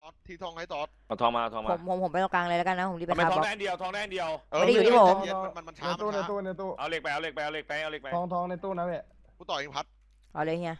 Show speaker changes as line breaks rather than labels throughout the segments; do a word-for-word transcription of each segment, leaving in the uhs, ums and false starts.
ทีทองให้ตอด
เอาทองมาเอาทอง
ผม
มา
ผมผมไปตรงกลางเลยแล้วกันนะผมรีบไป
ทำไม
คา
ทอง
บล็อก
ได้อันเดียวทองได้อันเดียว
ไม่ได้อยู่ที่ผม
มันมันช้า
ในตู้ในตู้ในตู้
เอาเหล็กไปเอาเหล็กไปเอาเหล็กไปเอาเหล็กไป
ทองทองในตู้นะเว้ย
กูต่อเองพัด
เอาเลยเฮีย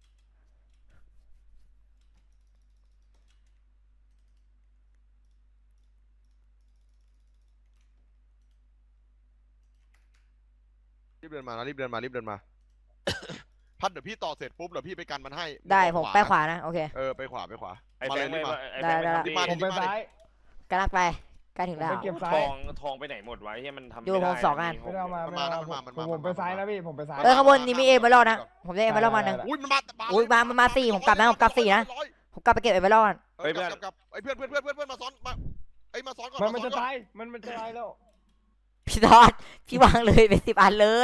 รีบเดินมานะรีบเดินมารีบเดินมาพัดเดี๋ยวพี่ต่อเสร็จปุ๊บเดี๋ยวพี่ไปกันมันให้
ได้ผมไปขวานะโอเค
เออไปขวาไปขวา
ไอ้แบงค์ไม่ไอ้แบงค์ไม่ทำ
ผมไปซ้าย
กำลังไปใกล้ถึงแล้ว
ผมไปเก็บ
ทองทองไปไหนหมดไว้ที่มันทำ
อยู่ผมสองอัน
ไม่ได้เอามาไม่ได้เอามาผมผมไปซ้ายนะพี่ผมไปซ้าย
เออข้างบนนี่มีเอเบอร์ลนะผมได้เอเบอร์ลมาหนึ่ง
อุ้ยมันมา
อุ้ยมามันมาสี่ผมกลับนะผมกลับสี่นะผมกลับไปเก็บเอเบอร์ลก่อน
เฮ้ยเพื่อนไอ้เพื่อนเพื่อนเพื่อนเพื่อนเพื่อนมาซ้อนมาไอ้มาซ้อนก่อน
มันมันจะตายมันมันจะตายแล้ว
พี่ทอดพี่วางเลยเป็นสิบอันเลย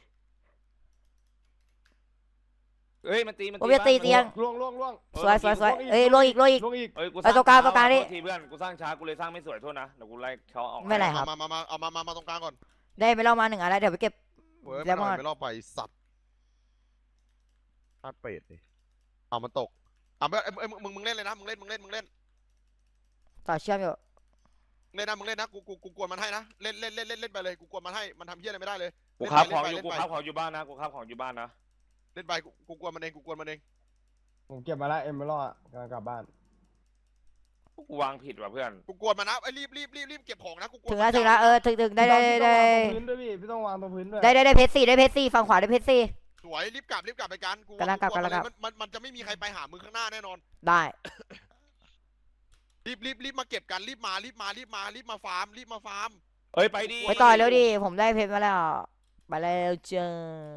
เอ้ยมันตีมัน
ผมจะตีเตียง
ล่วงล่วงล่วง
สวยสวยสวยเอ้ยลงอีกลงอีก
ล่วงอีก
เอ้ยกู
ไอ้ตัวกลางตัวกลางนี่
ทีเพื่อนกูสร้างช้ากูเลยสร้างไม่สวยโทษนะเดี๋ยวกูไล่เขาออก
ไม่ไรครับ
มามามาเอามามามาตรงกลางก่อน
ได้เอเบอร์ลมาหนึ่งอันแล้วเดี๋ยวไปเก็บ
เว้ย
แล้ว
ไม่
มัน
ไม่รอบไปสัตว์พลาดเป็ดดิเอามันตกอ่ะไม่ไอ้มึงมึงเล่นเลยนะมึงเล่นมึงเล่นมึงเล่น
ต่อเชื่อมอยู่
เล่นนะมึงเล่นนะกูกูกูกวนมันให้นะเล่นเล่นเล่นเล่นเล่นไปเลยกูกวนมันให้มันทำเหี้ยอะไรไม่ได้เลย
กูค้าของอยู่กูค้าของอยู่บ้านนะกูค้าของอยู่บ้านนะ
เล่นไปกูกูกวนมันเองกูกวนมันเอง
ผมเก็บมาแล้วเอ็มเบอร์ลกำลังกลับบ้าน
กูวางผิดว่ะเพื่อน
กูกวนมันนะไอ้รีบรีบรีบรีบเก็บของนะกูกวน
ถึงแล้วถึงแล้วเออถึงถึงได้ได้ได้
พี่ต้องวางตรงพื้นด้วยพี่พี่ต้องวางตรงพื้นด้วย
ได้ได้ได้เพชรสี่ได้เพชรสี่ฝั่งขวาได้เพชรสี่
สวยรีบกลับรีบกลับไปกันกู
กำลังกลับกำลังกลับ
มันมันมันจะไม่มีใครไปหามึงข้างหน้าแน่นอน
ได้
รีบรีบรีบมาเก็บกันรีบมารีบมารีบมารีบมาฟาร์มรีบมาฟาร์ม
เอ้ยไปดิ
ไปต่อเร็วดิผมได้เพชรมาแล้วไปแล้วเจอ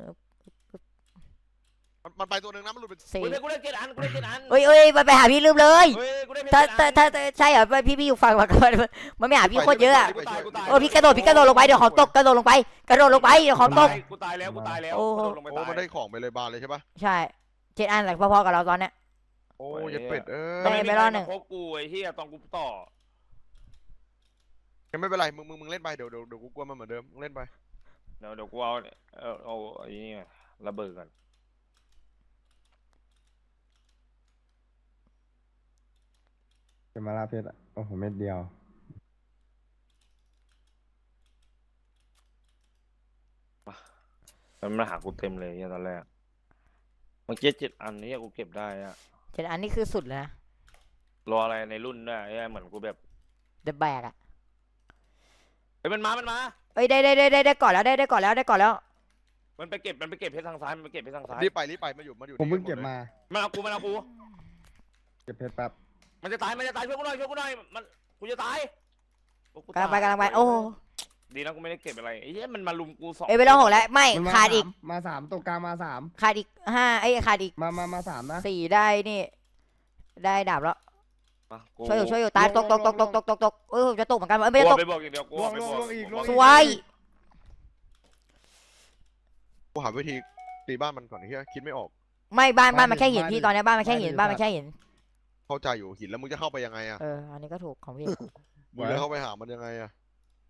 มันมันไปตัวหนึ่งนะมันหลุดเป็น
สี่
กูได้กูได้เจ็ดอันกูได้เจ็ดอัน
เอ้ยเอ้ยไปไปหาพี่ลืมเลย
เฮ้ยกูได้เพชร
ถ้า
เจ็ด
ถ้า
อัน
ถ้าใช่เหรอพี่พี่อยู่ฝั่งฝั่งกันมันไม่หาพี่โคตรเยอะอะ
กูตายกูตาย
โอ้พี่กระโดดพี่กระโดดลงไปเดี๋ยวของตกกระโดดลงไปกระโดดลงไปเดี๋ยวของตก
กูตายแล้วกูตายแล้ว
โอ้
กูโดดลงไป
โอ้
ตาย
มันได้ของไปเลยบานเลยใช่ปะ
ใช่เจ็ดอันหลังพอๆกับเราตอนเนี้ย
โอ้ยเป็ดเอ้
ได้
ย
ไปรอบหนึ่ง
พบกูไอ้เหี้ยตอนกูต่อ
ไม่เป็นไรมึงมึงมึงเล่นไปเดี๋ยวเดี๋ยวเดี๋ยวกูกวนมันเหมือนเดิมมึงเล่นไป
เดี๋ยวเดี๋ยวกูเอาเอาเอาไอ้นี่ระเบิดกัน
เก็บมาแล้วเพชรโอ้โหเม็ดเดียว
มันมาหากูเต็มเลยตอนแรกเมื่อกี้เจ็ดอันนี้กูเก็บได้อะ
เจ็ดอันนี่คือสุดเลยนะ
รออะไรในรุ่นด้วยไอ้เหมือนกูแบบ
เดอะแบกอะ
เฮ้ยมันมามันมา
เอ้ยได้ได้ได้ได้ได้ก่อนแล้วได้ได้ก่อนแล้วได้ก่อนแล้ว
มันไปเก็บมันไปเก็บเพชรทางซ้ายมันไปเก็บเพชรทางซ้าย
รีบไปรีบไปมาอยู่มาอยู่
ผมเพิ่งเก็บมา
มันเอากูมันเอากู
เก็บเพชรแป๊บ
มันจะตายมันจะตายช่วยกูหน่อยช่วยกูหน่อยมันกูจะตายโอ้
กำลังไป
ตาย
กำลังไปโอ้
ดีนะกูไม่ได้เก็บอะไรไอ้เหี้ยมันมาลุมกูสอง
เอ้ยไปลองหกแล้วไม่
มันมา
ขาดอีก
สามมาสามตัวกลางมาสาม
ขาดอีกห้าไอ้ยขาดอีก
มามามาสามนะ
สี่ได้นี่ได้ดาบแล้ว
มากู
ช่วยอยู่ช่วยอยู่ตายตกตกตกตกตกตกตกเออจะตกเหมือนกันเอ้ยไม่
กู
ได้ตก
ไปบอกอย่างเดียวกูไปบอก
สวย
กูหาวิธีตีบ้านมันก่อนไอ้เหี้ยคิดไม่ออก
ไม่บ้านบ้านมันแค่หินพี่ตอนนี้บ้านมันแค่หินบ้านมันแค่หิน
เข้าใจอยู่หินแล้วมึงจะเข้าไปยังไงอะ
เอออันนี้ก็ถูกของพี่
มึงจะเข้าไปหามันยังไงอะ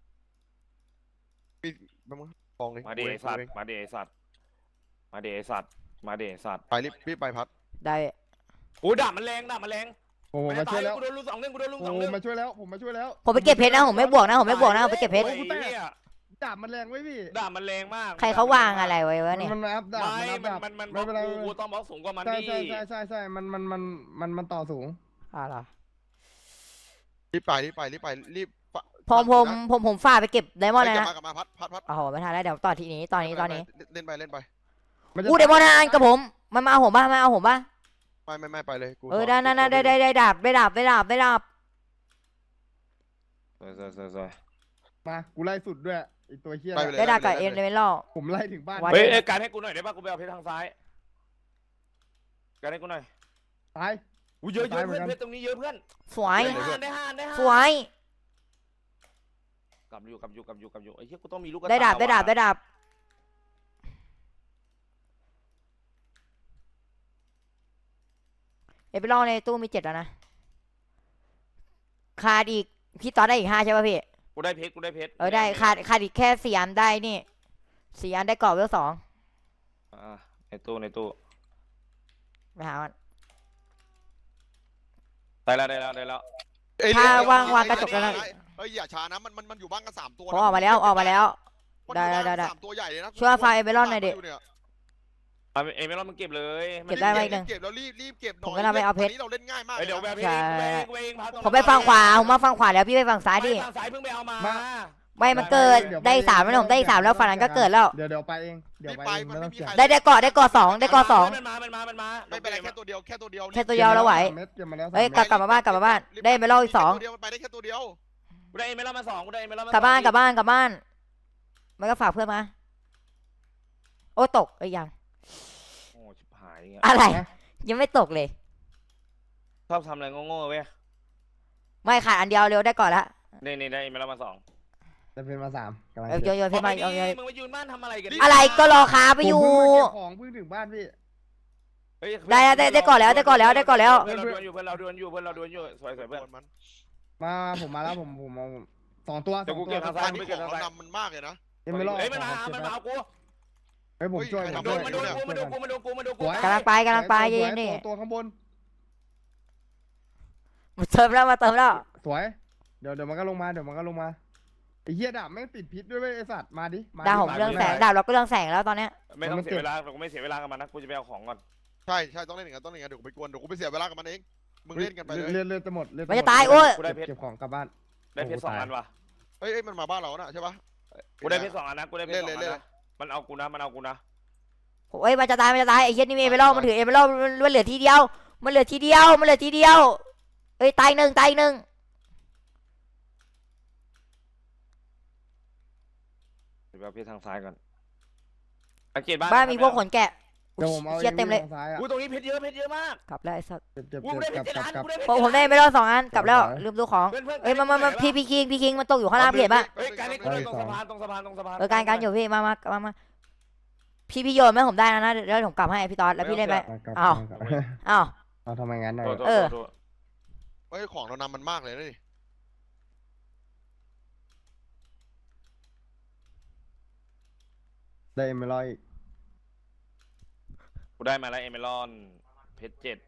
พี่แป๊บนึงฟองเลย
มาเดไอ้สัตว์มาเดไอ้สัตว์มาเดไอ้สัตว์มาเดไอ้สัตว์
ไปรีบรีบไปพัด
ได้
โอ้ดาบมันแรงดาบมันแรง
โอ้โห
มัน
มา
จะ
ช่
ตา
วย ยแล้ว
กูโดนลูกสองเด้งกูโดนลูก
โอ้
สอง
โห
เด้ง
มาช่วยแล้วผมมาช่วยแล้ว
ผมไปเก็บเพชรนะผมไม่บวกนะผมไม่บวกนะผมไปเก็บเพชร
โอ้ยเหี้ย
ดาบมันแรงไว้พี่
ดาบมันแรงมาก
ใครเขาวางอะไรไว้วะเนี่ย
มันมาอัพดาบ
ไม่
มันอัพ
มั
ดาน บ
มันมัน
ไม่เป็นไร
กูกูต้องบล็อกสูงกว่ามัน
ใช่
ดิ
ใช่ใช่ใช่ใช่มันมันมันมันมันต่อสูง
อ่าเหรอ
รีบไปรีบไปรีบไปรีบ
ผมผมผมผมฝ่าไปเก็บไดมอนด์
ก
เลย
ลับ
นะ
มากลับมาพัดพัดพัด
โอ้โหไม่ทันแล้วเดี๋ยวต่อทีนี้ตอนนี้ตอนนี้
เล่นไปเล่นไป
มันจะ
อู้ไดมอนด์อันกับผมมันมาเอาผมป่ะมันเอาผมป่ะ
ไม่ไม่ไม่ไปเลยกู
เออได้ได้ได้ได้ได้ดาบได้ดาบได้ดาบได้ดาบ
สวยสวยสวยสวย
มากูไล่สุดด้วยไอีตัวเฮี้ย
ไปเลย
ได้ดาบกับเอ็นเดเมล
ผมไล่ถึงบ้าน
วัน
เฮ้ยเอ้ยการให้กูหน่อยได้ป่ะกูไปเอาเพชรทางซ้ายการให้กูหน่อย
ตาย
อู้เยอะเย
ตา
อะ
ยเหมื
เพื่
อ
อน น
กัน
เพชรตรงนี้เยอะเพื่อน
สวย
ได้ห้าได้ห้าได้ห้า
สวย
กลับอยู่กลับอยู่กลับอยู่กลับอยู่ไอ้เหี้ยกูต้องมีลูกกระ
ได้ดาบ
ต
ได้ดาบได้
ว่ะ
ดาบเอ็นเดเมลในตู้มีเจ็ดแล้วนะขาดอีกพี่ต่อได้อีกห้าใช่ป่ะพี่
กูได้เพชรกูได้เพชร
เออได้ขาดขาดอีกแค่สี่อันได้นี่สี่อันได้กรอบเวลสอง
อ่าในตู้ในตู้
ไปหามัน
ได้แล้วได้แล้วได้แล้ว
เอ้ย
ถ้า
เดี๋ย
ว่างวาง
ไอ้
กระจกแล้วนะ
เอ้ยอย่าช้านะมันมันมันอยู่บ้านกันสามตัว
ผมออกมาแล้วออกมาแล้ว
มัน
ได้
อยู่บ้าน
ได้
กัน
ได้
สามตัวใหญ่เลยนะ
ช่วยเอาไฟเอเมรอนหน่อยดิ
เ
เอาเอเมรอนมึงเก็บเลย
เก็บได้ไหมอีกหนึ่ง
เก็บแล้วรีบรีบเก็บหน่อย
ผมก็น่าไปเอาเพชร
นนี้เราเล่นง่ายมาก
เฮ้ยเดี๋ยว
เล
แบ
ย
บ
นะ
เองเองเองพาตรง
ผมไปฝั่งขวาผมมาฝั่งขวาแล้วพี่ไปฝั่งซ้ายดิ
ไปทางซ้ายเพิ่งไปเอามา
มา
ไม่มันเกิดได้สามแล้วผมได้สามแล้วฝั่งนั้นก็เกิดแล้ว
เดี๋ยวเดี๋ยวไปเองเดี๋ยวไปเองไม่ต้องเสีย
ได้ได้เกาะได้เกาะสองได้เกาะสอง
มันมามันมามันมา
ไม่เป็นไรแค่ตัวเดียวแค่ตัวเดียว
แค่ตัวเดียวเราไหว
เม็ดเก็บมาแล้วสาม
เอ้ย
ม็ด
กลับกลับมาบ้านกลับมาบ้านได้เอเมรอนอีกสอง
แค่ตัวเดียวมันไปได้แค่ตัวเดียว
กูได้เอเมรอนมาสองกูได้เอเมรอนมาก
ลับบ้านกลับบ้านกลับบ้านมันก็ฝากเพื่อนมาโอ้ตกเอ้ยยัง
โอ้ชิบหายเงี้ย
อะไร ยังไม่ตกเลย
ชอบทำอะไรโง่ๆเว้ย
ไม่ขาดอันเดียวเร็วได้ก่อนละ
นี่นี่ได้เอเมรอนมาสอง
จะเป็นมาสามกำลัง
เออโย
เก็บ
นโยนเพชรมาเอาโยน
มึงมายืนบ้านทำอะไรกัน
อะไรก็รอค้าไปอยู่
ผมเพิ่งมาเก็บของเพิ่งถึงบ้านพี่
ได้ได้ได้ก่อนแล้วได้ก่อนแล้วได้ก่อนแล้ว
เพื่อนเราดวลอยู่เพื่อนเราดวลอยู่เพื่อนเราดวลอยู่สวยสวยเพื่อน
มัน
มาผมมาแล้วผมผมเอาสองตัวส
เดี๋ย
อ
ว
ง
กู
ตัว
เก็บทางซ้
อันนี้ของเรานำมันมากเลยนะ
เอ็มไม่รอด
เฮ้ยมันมามันมาเอากู
เฮ้ยผมช่วย
เฮ้ย
ผม
โด
ช่วย
นมาโดนกูมาโดนกูมาโดนกูมาโดนกู
กำลังไปกำลังไป
สว
เย็นๆนี่
ตัวตัวข้างบน
มาเติมแล้วมาเติมแล้ว
สวยเดี๋ยวเดี๋ยวมันก็ลงมาเดี๋ยวมันก็ลงมาไอ้เหี้ยดาบแม่งติดพิษด้วยเว้ยไอ้สัตว์มาดิมา
ดาวผมเรื่องแสงดาวเราก็เรื่องแสงแล้วตอนเนี้ย
ไม่ต้องเสียเวลาเราก็ไม่เสียเวลากับมันนะกูจะไปเอาของก่อน
ใช่ใช่ต้องเล่นอย่างนั้นต้องเล่นอย่างนั้นเดี๋ยวกูไปกวนเดี๋ยวกูไปเสียเวลากับมันเองมึงเล่นกันไปเลย
เลือดเลือดจะหมดเลือด
มันจะตายโอ้ย
กูได้เพชร
เก็บของกลับบ้าน
ได้เพชรสองอันว่ะ
เอ้ยเอ้ยมันมาบ้านเราน่ะใช่ปะ
กูได้เพชรสองอันนะกูได้เพชรสองอัน
เล่นเลย
นะมันเอากูนะมันเอากูนะ
โอ้ยมันจะตายมันจะตายไอ้เหี้ยนี่มีเอเมอรัลมันถือเอเมอรัลมันเหลือทีเดียวมันเหลือทีเดียวมันเหลือทีเดียวเอ้ยตายหนึ่งตายหนึ่ง
เดี๋ยวเอาเพชรทางซ้ายก่อนสังเกตบ้าน
บ้านมีพวกขนแกะ
เดี๋ยวผมเอา
เชี่ยเต็มเลย
ทางซ้ายอ่ะ
กูตรงนี้เพชรเยอะเพชรเยอะมาก
กลับแล้วไอ้สัส
เจ็บเจ็บ
กูได้
เจ็บ
เพ
ก
ช
ลั
ร
บ
เจ็ด
กลั
อั
บ
น
กลับ
กูได้เพชร
ผมผมได้เอเมอรัลสองอันกลับแล้ว
เดี๋ยว
ลืมดูของ
เพื่อนเพื่อน
เอ้ยมามามาพี่พี่คิงพี่คิงมันตกอยู่ข้างล่างพี่เห็นปะ
เฮ้ยการนี้กูตรงสะพานตรงสะพานตรงสะพาน
เออการการอยู่พี่มามามามาพี่พี่โยนไหมผมได้นะนะเดี๋ยวผมกลับให้พี่ตอดแล้วพี่เล่นไหม
กลับ
อ้าว
กลับ
อ้าว
เอาทำไมงั้นน่ะ
โทษโทษ
เออ
โทษ
เอ้ยของเรานำมันมากเลยนะนี่
ได้เอ็มร้อยอีก
กูได้มาแล้วเอเมรอนเพชรเจ็ด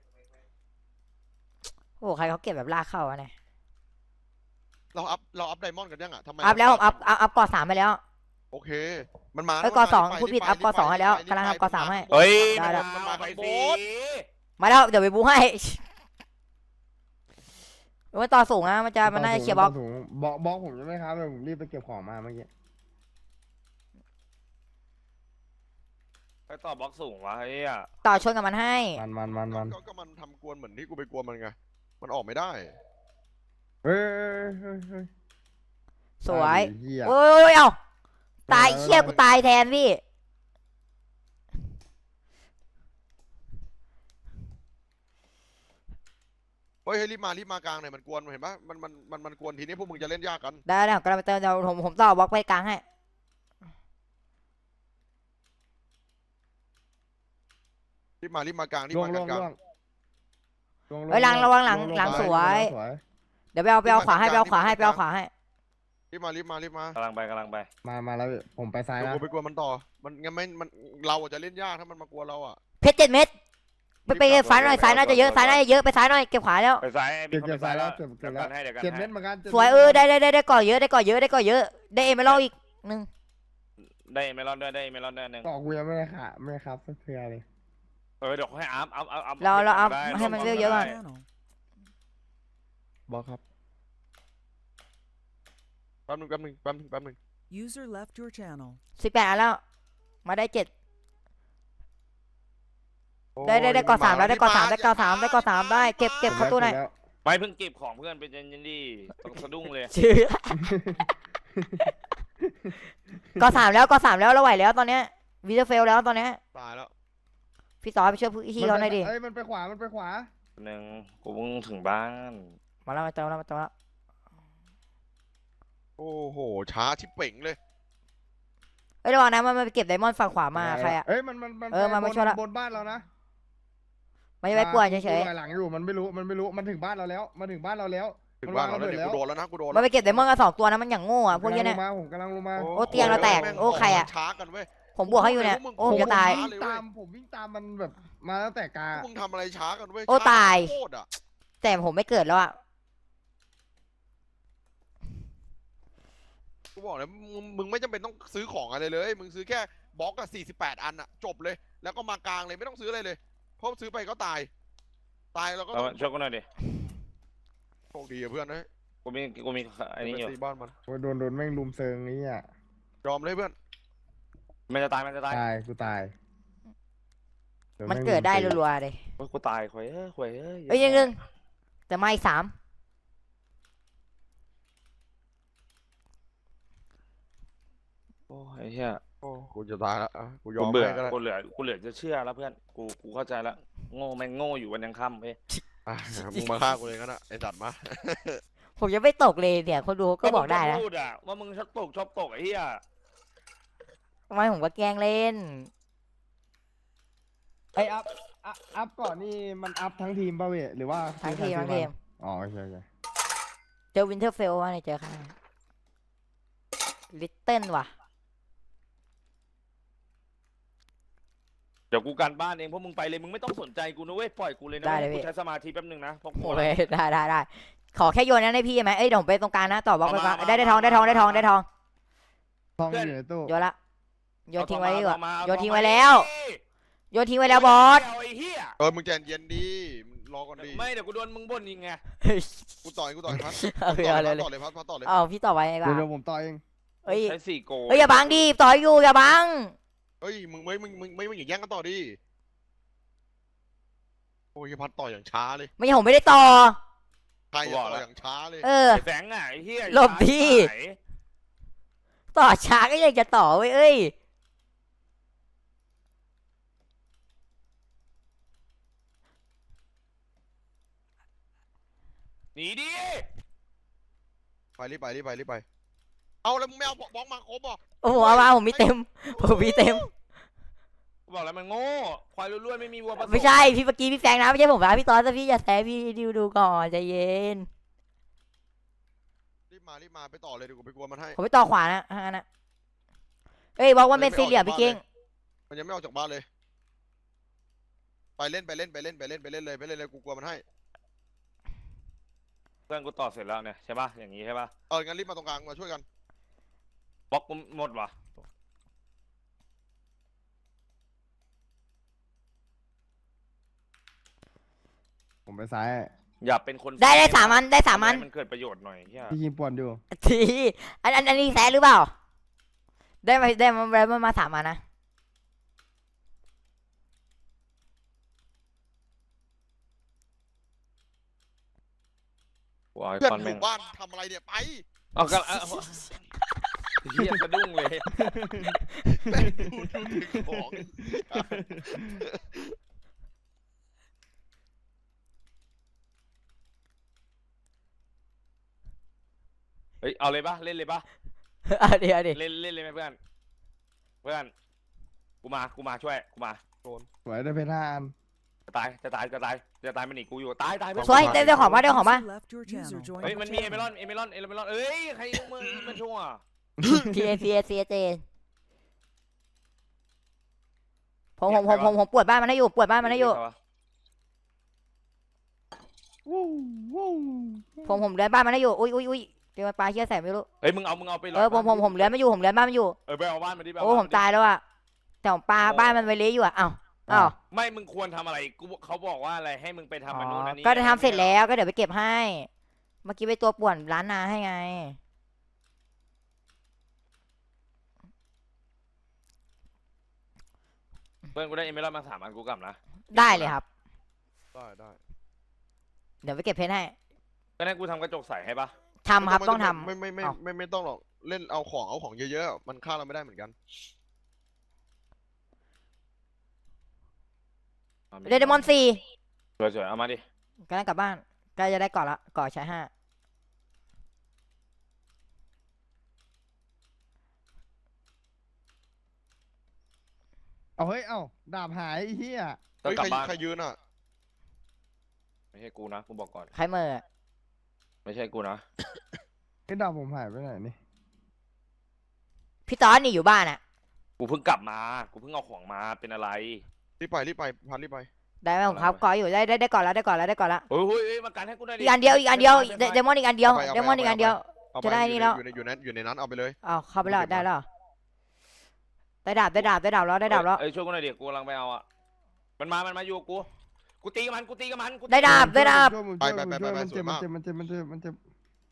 โอ้ใครเขาเก็บแบบลากเข้าอะเนี่ย
เราอัพเราอัพไดมอนด์กันยังอ่ะทำไม
อัพแล้วผมอัพอัพอัพก่อสามไปแล้ว
โอเค มันมา
เอ้ย
มัน
ก่อ
มา
สอง
รีบไป
พูดผิด
รีบ
อัพ
ไป
ก่อสองให้แล้ว
รีบไป
กำลังทำก่อสามให้
เฮ้ย
ได้ได้
มันมาไปสิ
มาแล้วเดี๋ยวไปบูให้มันต่อสูงนะมันจะมันน่าจะเคลียร์บล็อก
ถุงบล็อกบล็อกผมยังไม่ครับเลยผมรีบไปเก็บของมาเมื่อกี้
ไปต่อบล็อกสูงวะเฮ้ยอะ
ต่อชนกับมันให้
มันมันมันมัน
ก็ก็มันทำกวนเหมือนที่กูไปกวนมันไงมันออกไม่ได้
เฮ้ยเฮ้ยเฮ้ย
สวย
ไอ้เหี้ย
โอ้ยเอ้าตายเชี่ยกูตายแทนพี่
เฮ้ยเฮ้ยรีบมารีบมากลางหน่อยมันกวนเห็นปะมันมันมันมันกวนทีนี้พวกมึงจะเล่นยากกัน
ได้ได้ผมกำลังไปเติมเดี๋ยวผมผมต่อบล็อกไปกลางให้
รีบมารีบมากลางรีบ
ล่วง
มา
ล่วง
กลาง
ล่วงล่วง
เฮ้ยหลังระวังหลัง
ล่ว
หลัง
ไป
สวย
สวย
เดี๋ยวไปเอาไปเอาขวาให้ไปเอาขวาให้ไปเอาขวาให้
รีบมารีบมารีบมาก
ำลังไปกำลังไป
มามาแล้วผมไปซ้าย
เดี๋ยว
นะ
กูไปกวนมันต่อมันงั้นไม่มันเราอะจะเล่นยากถ้ามันมากวนเราอ่ะ
เพชรเจ็ดเม็ดไปไปซ้ายหน่อยซ้ายน่าจะเยอะซ้ายน่าจะเยอะไปซ้ายหน่อยเก็บขวาแล้ว
ไปซ้าย
เก็บเก็บซ้ายแล้วเก็บเก็
เดี๋ย
บ
ว
แล้ว
กันให้เดี๋ยวกัน
เจ็ดเม็
ให้
ดเหมือนกันจ็ด
สวย
ม็ด
เออได้ได้ได้ได้ก่อเยอะได้ก่อเยอะได้ก่อเยอะได้เอเมอรัลอีกหนึ่ง
ได้เมลอนด้วยได้เมลอนด้วยหนึ่ง
ต่อกูยังไม่ได้ค่ะไม่ครับสักเทือเลย
เออเดี๋ยวให้อัพอัพอัพอัพ
เราเราเอา
ได้
ให้มันเยอะๆก่อน
บอกครับแป๊บนึงแป๊บนึงแป๊บนึงแป๊บนึง
User left your channel.
สิบแปดอันแล้วมาได้เจ็ด
โอ้ย
ได้ได้ได้ก่อสามแล้วได้ก่อสาม
รี
ได้
บ
ก่อสามได้ก่อสามได้เก็บเก็บเข้าตู้หน่อย
แล้ว
ไปเพิ่งเก็บของเพื่อนเป็นยันยันดีต้องสะดุ้งเลย
ชื่อก่อสามแล้วก่อสามแล้วเราไหวแล้วตอนเนี้ยวีเดอร์เฟลแล้วตอนเนี้ย
ตายแล้ว
พี่ต่อไปช่วยพี่เขาหน่อยดิ
เอ้ยมันไปขวามันไปขวา
หนึ่งกูเพิ่งถึงบ้าน
มาแล้วมาเติมแล้วมาเติมแล้ว
โอ้โหช้าชิบเป่งเลย
เอ้ยระวังนะมันไปเก็บไดมอนด์ฝั่งขวามาใครอะ
เอ้ยมันมันมัน
เออ
ไป
มามา
บน
ช่วยละ
บนบ้านเรานะ
ไม่ไปป่วนเฉย
กูหลังอยู่มันไม่รู้มันไม่รู้มันถึงบ้านเราแล้วมันถึงบ้านเราแล้ว
ถึงบ้านเราแล้วเนี่ยกูโดนแล้วนะกูโดน
ๆมันไปเก็บไดมอนด์กันสองตัวนะมันอย่างโง่อะพวกเนี้ยเนี่ย
กำลังลงมาผมกำลังลงมา
โอ้เตียงเราแตก
ม่ง
โอ้ใครอะ
ช้ากันเว้ย
ผมบวกให้อยู่เนี่ยโอ้ผมจะตาย
ผมวิ่งตามผมวิ่งตามมันแบบมาตั้งแต่กา
พวกมึงทำอะไรช้ากันเว้ย
โอ้
ช้
ตาย
โคตรอะ
แต่ผมไม่เกิดแล้วอ่ะ
กูบอกเลยมึงมึงไม่จำเป็นต้องซื้อของอะไรเลย มึงซื้อแค่บล็อกอะสี่สิบแปดอันอะจบเลย แล้วก็มากลางเลยไม่ต้องซื้ออะไรเลย เพราะซื้อไปก็ตาย ตายแล้วก็
เอา
ต้อง
ช่วยกูหน่อยดิ
โชคดีอะเพื่อนนะ
กูมีกูมีอันนี้
ไป
อยู่
ตีบ้านมัน
โอ้ยโดนโดนแม่งลุมเซิงนี้อ่ะ
ยอมเลยเพื่อน
มันจะตายมันจะตาย
ตายกูตายโแ
มันเกิดได้
ลุมเซิง
รัวๆเลย
โอ้ยกูตายควยเอ้ยควยเอ้ย
เอ้ยยังนึงแต่มาอีกสาม
โอ้ยไอ้เหี้ย
โอ้กูจะตายแล้วอะกูยอ
กู
ม
เบื่อ
ให้ก็ได้
กูเหลือกูเหลือจะเชื่อแล้วเพื่อนกูกูเข้าใจแล้วโง่แม่งโง่อยู่วันยังค่ำเว้ย
อ่ะมึงมาฆ่ากูเลยงั้นอะไอ้สัตว์มา
ผมยังไม่ตกเลยเนี่ยคนดูก็บอกได้นะ
มึงพูดอะว่ามึงชอบตกชอบตกไอ้เหี้ย
ทำไมผมก็แกล้งเล่น
ไออัพอัพอัพก่อนนี่มันอัพทั้งทีมป่ะเว้ยหรือว่า
ทั้งทีมทั้งทีม
อ๋อโอเคโอเค
เจอวินเทอร์เฟลว่าในเจอใครลิตเติ้ลว่ะ
เดี๋ยวกูการบ้านเองพวกมึงไปเลยมึงไม่ต้องสนใจกูนะเว้ยปล่อยกูเลยนะ
ได้เลย
กู
พี่
ใช้สมาธิแป๊บนึงนะเพราะกู
โอเคได้ได้ได้ขอแค่โยนนั้นให้พี่ไหมเอ้ยเดี๋ยวผมไปตรงกลางนะต่อบล็อกไปก่อนได้ได้ทองได้ทองได้ทองได้ทอง
ทองอยู่ในตู้
โยนละโยนทิ้งไว้ดีกว่า
เอทองมา
โยนทิ้ง
เอ
ไว้
ทอมา
แล้ว โยนทิ้งไว้แล้วบอส
เาไอ้เหี้ย
เออมึงใจเย็นดีมึงรอก่อนดี
ไม่เดี๋ยวกูโดนมึงบ่นยิงไง
กูต่อยกูต่อยพัด
เอาไปเอาเลย
ต่อเลยพัดพัดต่อเลย
เอาพี่ต่อไว้ดีก
เดี๋ยว
ว่า
เดี๋ยวผมต่อเอง
เอ้ย
ใช้สี่โก
เอ้ยอย่าบังดิต่อยอยู่อย่าบัง
เฮ้ยมึงไม่มึงมึงไม่มึงอย่าแย่งกันต่อดิโอ้ยพัดต่อยอย่างช้าเลย
ไม่ใช่ผมไม่ได้ต่อ
ใครอะต่อยอย่างช้าเลย
เออ
ไอ้แสงอ่ะไอ้เหี้ย
หลบดิ
ไหน
ต่อช้าก็ยังจะต่อเว้ยเอ้ย
หนีดิ
ไปรีบไปรีบไปรีบไปเอาแล้วมึงไม่เอาบล็อกมาครบอ่ะ
โอ้โหเอามาผมมีเต็มผมมีเต็ม
กูบอกแล้วมันโง่ควายล้วนๆไม่มีวัวผสม
ไม่ใช่พี่เมื่อกี้พี่แฟงนะไม่ใช่ผมนะพี่ตอนแต่พี่อย่าแซะพี่ดิวดูก่อนใจเย็น
รีบมารีบมาไปต่อเลยเดี๋ยวกูไปกลัวมันให้
ผมไปต่อขวานะฮะนะเอ้ยบอกว่าเมสซี่เหลี่ยมพี่เก่ง
มันยังไม่ออกจากบ้านเลย ไปเล่นไปเล่นไปเล่นไปเล่นไปเล่นเลยไปเล่นเลยกูกลัวมันให้
เพื่อนกูต่อเสร็จแล้วเนี่ยใช่ป่ะอย่างนี้ใช่ป่ะ
เอองั้นรีบมาตรงกลางมาช่วยกัน
บล็อกกูหมดว่ะ
ผมไปซ้าย
อย่าเป็นคน
ได้ได้สามอันได้สามอัน
ทำให้มันเกิดประโยชน์หน่อยเหี้ย
พี่ยิงป่วนอยู่
ทีอันอันอันนี้แซะหรือเปล่า ได้มาได้มาได้มามาสามอันนะ
กูเอาไอ้
เพื่อน
คอน
อ
แม่ง
ยู่บ้านทำอะไรเนี่ยไป
เอากันเอาเอาเหี้ยสะดุ้งเลย
แม่งดูดูถึงของ
เฮ้ยเอาเลยป่ะเล่นเลยป่ะ
เอาดี๋ยวดิ
เล่นเล่นเลยไหมเพื่อนเพื่อนกูมากูมาช่วยกูมา
สวยได้เพชรห้าอัน
จะตายจะตายจะตายจะตายมันหนีกูอยู่ตายตายเพื่อน
สวยได้ได้ของมาได้ของมา
User left your User channel. joined
เฮ้ย
your
มันมีเอเม
channel.
รอนเอเมรอนเอเมรอนเอ้ยใครยกมือมันชั่ว
พีเอพีเอซีเจผมผมผมผมผมปวดบ้านมันให้อยู่ปวดบ้านมันให้อยู่
วู้วู้
ผมผมเลื้อนบ้านมันให้อยู่อุ้ยอุ้ยอุ้ยเดี๋ยวปลาเชี่ยใส่ไม่รู้
เฮ้ยมึงเอามึงเอาไป
เออผมผมผมเลื้อนไม่อยู่ผมเลื้อนบ้านมันอยู่
เออไปเอาบ้านมาดิ
โอ้ผมตายแล้วอะแต่ผมปลาบ้านมันไปเละอยู่อะอ้าวอ้าว
ไม่มึงควรทำอะไรกูเขาบอกว่าอะไรให้มึงไปทำมันนู่นนั่นนี่
ก็จะทำเสร็จแล้วก็เดี๋ยวไปเก็บให้ เมื่อกี้ไปตัวป่วนร้านนาให้ไง
เพื่อนกูได้เอเมรอนมาสามอันกูกลับนะ
ได้เลยครับ
ได้ได้
เดี๋ยวไปเก็บเพชรให้
ก็นั่นกูทำกระจกใสให้ปะ
ทำครับต้องทำ
ไม่ไม่ไม่
เอา
ไม่ไม่ต้องหรอกเล่นเอาของเอาของเยอะๆมันฆ่าเราไม่ได้เหมือนกัน
เดดมอนสี่
สวยๆเอามาดิ
กำลังกลับบ้านใกล้จะได้ก่อนละก่อใช้ห้า
เอาเฮ้ยเอ้าดาบหายไอ้เหี้ย
ต้อ
เฮ้
ง
ย
กลั
ใค
บ
ร
บ้าน
ใครยืนอ่ะ
ไม่ใช่กูนะกูบอกก่อน
ใครเมื่อ
ไม่ใช่กูนะ
ไอ้ดาบผมหายไปไหนนี่
พี่ตอนนี่อยู่บ้านอะ
กูเพิ่งกลับมากูเพิ่งเอาของมาเป็นอะไร
รีบไปรีบไปพันรีบไป
ได้ไหมผมครับก่ออยู่ได้ได้ได้ก่อนแล้วได้ก่อนแล้วได้ก่อนแล้ว
เฮ้ยเฮ้ยเฮ้ยมากันให้กูหน่อยดิ
อีกอันเดียวอีกอันเดียว
ไปไป
เดมอนอีกอันเดียว
เอาไป
เดมอนอีกอันเดียว
เอาป
จะได้นี่แล้ว
อยู่ในอยู่ในอยู่ในนั้นเอาไปเลย
อ้าวเข้าไปแล้วได้แล้วได้ดาบได้ดาบได้ดาบแล้วได้ดาบแล้ว
เอ้ยช่วยกูหน่อยดิกูกำลังไปเอาอ่ะมันมามันมาอยู่กับกูกูตีกับมันกูตีกับมันกูตี
ได้ดาบได้ดาบ
ช่วยผมช่วยผมช่วยมันเจ็บมันเจ็บมันเจ็บมันเจ็บมันเจ็บ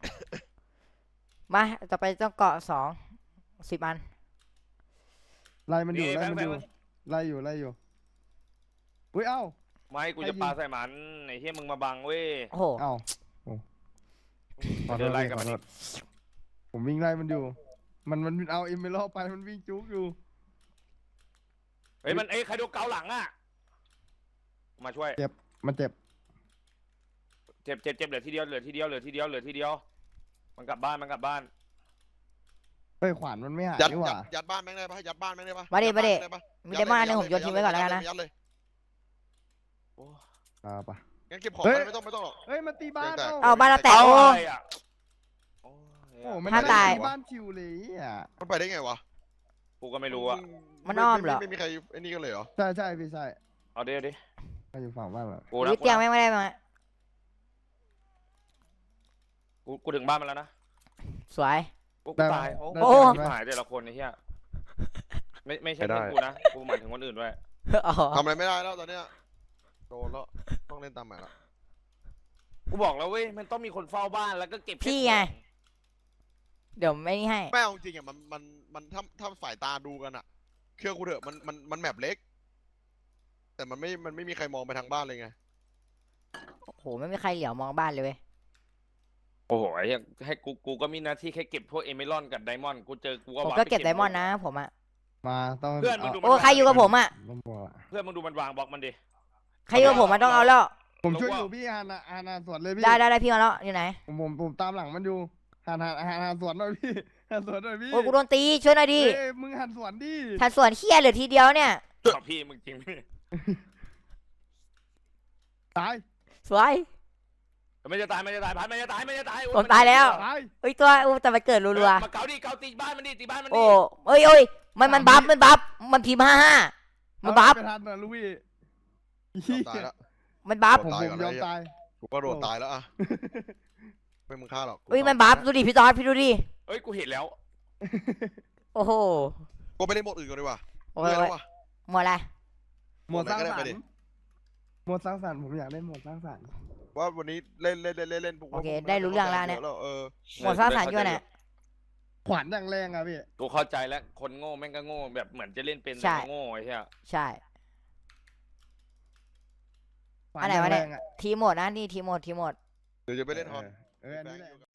มาต่อไปต้องเกาะสองสิบอัน
ไล่มันอยู่
นี่
ไล่
แฟง
มัน
แฟ
อง ยู่ไล่อยู่ไล่อยู่อุ้ยเอ้า
ไม่กู
ใคร
จะ
ยิง
ปาใส่มันไอ้เหี้ยมึงมาบังเว้ย
โอ้โห
เอ้าโอ้ขอโท
เดิ
ษ
นไล่
พี่
กับ
ข
มั
อน โท
อีก
ษผมวิ่งไล่มันอยู่ มันมันเอาเอ็มเบลไปมันวิ่งจุกอยู่
เฮ้ยมันเอ้ยใครโดนเกาหลังอ่ะมาช่วย
มันเจ็บ
เจ็บเจ็บเจ็บเหลือทีเดียวเหลือทีเดียวเหลือทีเดียวเหลือทีเดียวมันกลับบ้านมันกลับบ้าน
เฮ้ยขวานมันไม่หาย
ยัด
นี่ห
ยั
ว่า
ดยัดบ้านแม่งได้ปะยัดบ้านแม่งได้ปะ
มาดิ
ยั
มาดิ
บ้นแงไปะ
มีเดมอนอันหนึงผมโยนทิ้งไว้ก่อนแล้วกันนะ
ยัดเลย
โอ้
อ่าปะ
งั้นเก็บของ
เฮ้ย
ไม่ต้องไม่ต้องหรอก
เฮ้ยมันตีบ้าน
แตก
เอ้า
เอาบ้านเราแตก
เอา
โอ้
อะไรอ่ะโอ้ย
โอ้มัน
ห้าม
ไม่ได้
ตาย
ตีบ้านชิวเลยอ่ะ
มันไปได้ไงวะ
กูก็ไม่รู้อ่ะ
มันอ้อมเหรอ
ไม่มีใครไอ้นี่กันเลยเหรอ
ใช่ใช่พี่ใช่
เอาเดี๋ยวดิ
มาอยู่ฝั่งบ้านเรา
กูนะ
วิ
กู
เตียง
นะ
แม่งไม่ได้มา
กูกูถึงบ้านมันแล้วนะ
สวย
กูกูตายโอ้
โอ้
โหหายแต่ละคนไอ้เหี้ยไม่ไม่ใช่แค่กูนะกูหมายถึงคนอื่นด้วย
อ๋อ
ทำอะไรไม่ได้แล้วตอนเนี้ยโดนแล้วต้องเล่นตามแมตช์ละ
กูบอกแล้วเว้ยมันต้องมีคนเฝ้าบ้านแล้วก็เก็บ
พี่ไงเดี๋ยวไม่นี่ให้
แม่เอาจริงอ่ะมันมันมันถ้าถ้าสายตาดูกันอ่ะเชื่อกูเถอะมันมันมันแมปเล็ก แต่มันไม่มันไม่มีใครมองไปทางบ้านเลยไง
โอ้โหไม่มีใครเหลียวมองบ้านเลยเว้ย
โอ้โหไอ้เหี้ยให้กูกูก็มีหน้าที่แค่เก็บพวกเอเมรอนกับไดมอนด์กูเจอกูก็
ผม
วาง
ก็
ไป
เก็บไดมอนด์นะผมอะ
มาต้อง
เพื่อนมึง
เอา
ดู
โอ้ใครอยู่กับผมอะ
ต้องบอกอะ
เพื่อนมึงดูมันวางบล็อกมันดิ
ใครอยู่กับผมมันต้องเอาแล้ว
ผมช่วย
เรา
อ
ว่า
ยู่พี่ฮานาฮานาสวนเลยพี่
ได้ได้ได้พี่มาแล้วอยู่ไหน
ผมผมผมตามหลังมันอยู่หันหันหันหันสวนหน่อยพี่หันสวนหน่อยพี่
โอ้ยกูโดนตีช่วยหน่อยดิ
เอ้ยมึงหันสวนดิ
ทันส่วนเฮียเหลือทีเดียวเนี่ย
ขอพี่มึงจริงพี่
ตาย
สวย
ไม่จะตายไม่จะตายพันไม่จะตายไม่จะตายโอ้
ผมตายแล้ว
ตาย
เอ้ยตัวอู้แต่มันเกิดรัว
มาเกาดิเกาตีบ้านมันดิตีบ้านมัน
ๆ
ดิ
โอ้เอ้ยเอ้ยมันมันบัฟมันบัฟมันพิมพ์ห้าห้ามันบัฟ
เอาไปทันนะลูกพี่
ยอมตายแล้ว
มันบัฟ
ผม
ตาย
ผม
ก่อนนะ
ยอมตาย
กูก็โดนตายแล้วอ่ะไม่มึงฆ่าหรอก
เอ้ยมันบัฟดูดิพี่ตอดพี่ดูดิ
เอ้ยกูเห็นแล้ว
โอ้โห
กูไปเล่นโหมดอื่นก่อนดีกว่า
โอ้
เมื่
ย
อยแล้วว่ะ
หมดอะไร
หมวดสร้าง
โหมดไหนก็ได้
สร
ไป
ร
ดิ
ค์หมวดสร้างสรรค์ผมอยากเล่นหมวดสร้างสรรค์
ว่าวันนี้เล่นเล่นเล่นเล่นเล่นพวก
โอเค
พวก
ได้รู้เรื่องแล้วเนี่ย
เออ
หมดสร้างสรรค์อยู่ไหน
ขวานอย่างแรงอะพี่
กูเข้าใจแล้วคนโง่แม่งก็โง่แบบเหมือนจะเล่นเป็น
ใช่
แต่โง่ไอ้เหี้ย
ใช่
ขวา
อันไหน
อย่าง
วะ
แร
เนี่ย
งอะ
ทีมหมดนะนี่ทีมหมดทีมหมด
เดี๋ยวจะไปเล่นฮอน
เออเอออันนี้แหละ